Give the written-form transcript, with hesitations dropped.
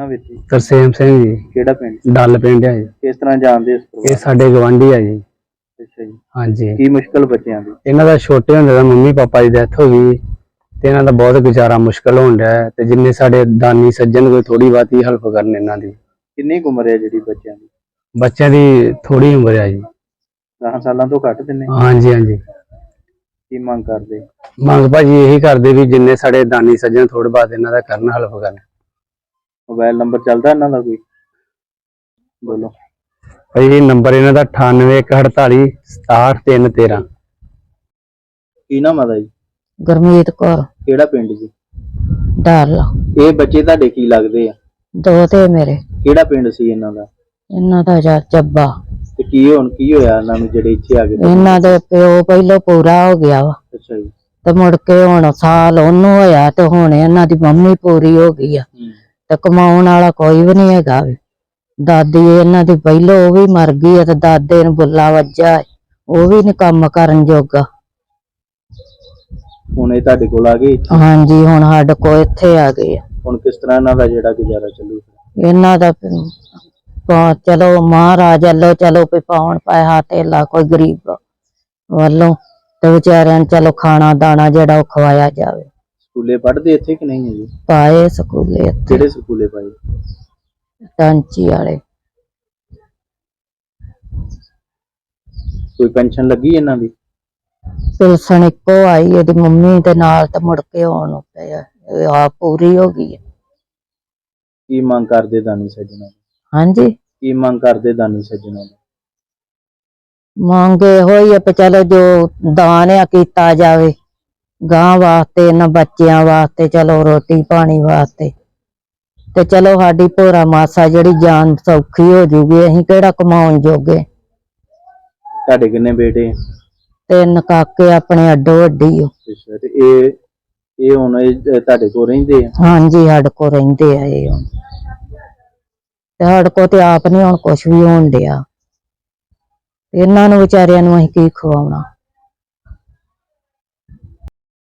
ਵੀਰ ਜੀ? ਤਰਸੇਮ ਸਿੰਘ ਜੀ, ਕਿਹੜਾ ਪਿੰਡ? ਡੱਲ ਪਿੰਡ ਹੈ ਜੀ। ਕਿਸ ਤਰ੍ਹਾਂ ਜਾਣਦੇ ਇਸ ਇਹ ਪਰਿਵਾਰ? ਸਾਡੇ ਗਵਾਂਢੀ ਆ ਜੀ। ਅੱਛਾ ਜੀ। ਹਾਂਜੀ, ਕੀ ਮੁਸ਼ਕਲ ਬੱਚਿਆਂ ਦੀ? ਇਹਨਾਂ ਦਾ ਛੋਟੇ ਹੁੰਦੇ ਦਾ ਮੰਮੀ ਪਾਪਾ ਦੀ ਡੈਥ ਹੋ ਗਈ ਤੇ ਇਹਨਾਂ ਦਾ ਬਹੁਤ ਗੁਜ਼ਾਰਾ ਮੁਸ਼ਕਲ ਹੋਣ ਡਿਆ ਹੈ ਤੇ ਜਿੰਨੇ ਸਾਡੇ ਦਾਨੀ ਸੱਜਣ ਕੋਈ ਥੋੜੀ ਬਾਤੀ ਹੈਲਪ ਕਰਨ ਇਹਨਾਂ ਦੀ। ਕਿੰਨੀ ਕੁ ਉਮਰ ਹੈ ਜਿਹੜੀ ਬੱਚਿਆਂ ਦੀ? ਬੱਚਿਆਂ ਦੀ ਥੋੜੀ ਉਮਰ ਹੈ ਜੀ। 10 ਸਾਲਾਂ ਤੋਂ ਘੱਟ ਦਿੰਨੇ? ਹਾਂਜੀ ਹਾਂਜੀ। ਕੀ ਮੰਗ ਕਰਦੇ? ਮੰਗ ਭਾਜੀ ਇਹੀ ਕਰਦੇ ਵੀ ਜਿੰਨੇ ਸਾਡੇ ਦਾਨੀ ਸੱਜਣ ਥੋੜੇ ਬਾਤ ਇਹਨਾਂ ਦਾ ਕਰਨ, ਹੈਲਪ ਕਰਨ। ਮੋਬਾਈਲ ਨੰਬਰ ਚੱਲਦਾ ਇਹਨਾਂ ਦਾ ਕੋਈ? ਬੋਲੋ ਭਾਜੀ ਨੰਬਰ ਇਹਨਾਂ ਦਾ 9814867313। ਕੀ ਨਾਮ ਆਦਾ ਜੀ? ਗੁਰਮੀਤ ਕੌਰ, ਕਿਹੜਾ ਪਿੰਡ ਜੀ? ਡਾਲ। ਇਹ ਬੱਚੇ ਤੁਹਾਡੇ ਕੀ ਲੱਗਦੇ ਆ? ਦੋ ਤੇ ਮੇਰੇ। ਕਿਹੜਾ ਪਿੰਡ ਸੀ ਇਹਨਾਂ ਦਾ? ਇਹਨਾਂ ਦਾ ਚੱਬਾ। ਤੇ ਕੀ ਹੋਇਆ ਇਹਨਾਂ ਨੂੰ ਜਿਹੜੇ ਇੱਥੇ ਆ ਗਏ? ਇਹਨਾਂ ਦੇ ਪਿਓ ਪਹਿਲੋਂ ਪੂਰਾ ਹੋ ਗਿਆ ਵਾ ਅੱਛਾ ਜੀ। ਤੇ ਮੁੜ ਕੇ ਹੁਣ ਸਾਲ ਉਹਨੂੰ ਹੋਇਆ ਤੇ ਹੁਣ ਇਹਨਾਂ ਦੀ ਮੰਮੀ ਪੂਰੀ ਹੋ ਗਈ ਆ ਤੇ ਕਮਾਉਣ ਵਾਲਾ ਕੋਈ ਵੀ ਨਹੀਂ ਹੈਗਾ। ਦਾਦੀ ਇਹਨਾਂ ਦੀ ਪਹਿਲੋਂ ਉਹ ਵੀ ਮਰ ਗਈ ਆ ਤੇ ਦਾਦੇ ਨੂੰ ਬੁੱਲਾ ਵੱਜਾ, ਉਹ ਵੀ ਨੀ ਕੰਮ ਕਰਨ ਜੋਗਾ। ਹੁਣ ਇਹ ਤੁਹਾਡੇ ਕੋਲ ਆ ਗਏ? ਹਾਂਜੀ, ਹੁਣ ਸਾਡੇ ਕੋਲ ਇੱਥੇ ਆ ਗਏ ਆ। ਹੁਣ ਕਿਸ ਤਰ੍ਹਾਂ ਇਹਨਾਂ ਦਾ ਜਿਹੜਾ ਗੁਜ਼ਾਰਾ ਚੱਲੂ? ਇਹਨਾਂ ਦਾ ਚਲੋ ਮਹਾਰਾਜ ਵੱਲੋਂ ਚਲੋ ਵੀ ਪਾਉਣ ਪੈਸਾ ਧੇਲਾ ਕੋਈ ਗਰੀਬ ਵੱਲੋਂ ਤੇ ਵਿਚਾਰਿਆਂ ਨੂੰ ਚਲੋ ਖਾਣਾ ਦਾਣਾ ਜਿਹੜਾ ਉਹ ਖਵਾਇਆ ਜਾਵੇ। ਸਕੂਲੇ ਪੜ੍ਹਦੇ ਇੱਥੇ ਕਿ ਨਹੀਂ ਹੈ ਜੀ? ਪਾਏ ਸਕੂਲੇ ਇੱਥੇ। ਕਿਹੜੇ ਸਕੂਲੇ ਪਾਏ? ਟਾਂਚੀ ਵਾਲੇ। ਕੋਈ ਪੈਨਸ਼ਨ ਲੱਗੀ ਇਹਨਾਂ ਦੀ? ਪਿਲਸਣ ਇੱਕੋ ਆਈ ਇਹਦੀ ਮੰਮੀ ਦੇ ਨਾਲ ਤੇ ਮੁੜ ਕੇ ਆਉਣ ਪਿਆ, ਆ ਪੂਰੀ ਹੋ ਗਈ ਹੈ। ਕੀ ਮੰਗ ਕਰਦੇ ਦਾਨੀ ਸੱਜਣਾ? ਹਾਂਜੀ, ਕੀ ਮੰਗ ਕਰਦੇ ਦਾਨੀ ਸੱਜਣਾ? ਮੰਗ ਇਹੋ ਹੀ ਆ ਵੀ ਚਲੋ ਜੋ ਦਾਨ ਆ ਕੀਤਾ ਜਾਵੇ ਗਾਂ ਵਾਸਤੇ, ਇਹਨਾਂ ਬੱਚਿਆਂ ਵਾਸਤੇ, ਚਲੋ ਰੋਟੀ ਪਾਣੀ ਵਾਸਤੇ ਤੇ ਚਲੋ ਸਾਡੀ ਭੋਰਾ ਮਾਸਾ ਜਿਹੜੀ ਜਾਨ ਸੌਖੀ ਹੋ ਜੂਗੀ। ਅਸੀਂ ਕਿਹੜਾ ਕਮਾਉਣ ਜੋਗੇ। ਤੁਹਾਡੇ ਕਿੰਨੇ ਬੇਟੇ? 3 ਕਾਕੇ ਆਪਣੇ ਅੱਡੋ ਅੱਡੀ। ਅੱਛਾ, ਤੇ ਇਹ ਹੁਣ ਤੁਹਾਡੇ ਕੋਲ ਰਹਿੰਦੇ ਆ? ਹਾਂਜੀ, ਸਾਡੇ ਕੋਲ ਰਹਿੰਦੇ ਆ ਇਹ ਹੁਣ ਤੇ ਸਾਡੇ ਕੋਲ ਤੇ ਆਪ ਨੀ ਹੁਣ ਕੁਛ ਵੀ ਹੋਣ ਡਿਆ। ਇਹਨਾਂ ਨੂੰ ਵਿਚਾਰਿਆਂ ਨੂੰ ਅਸੀਂ ਕੀ ਖਵਾਉਣਾ।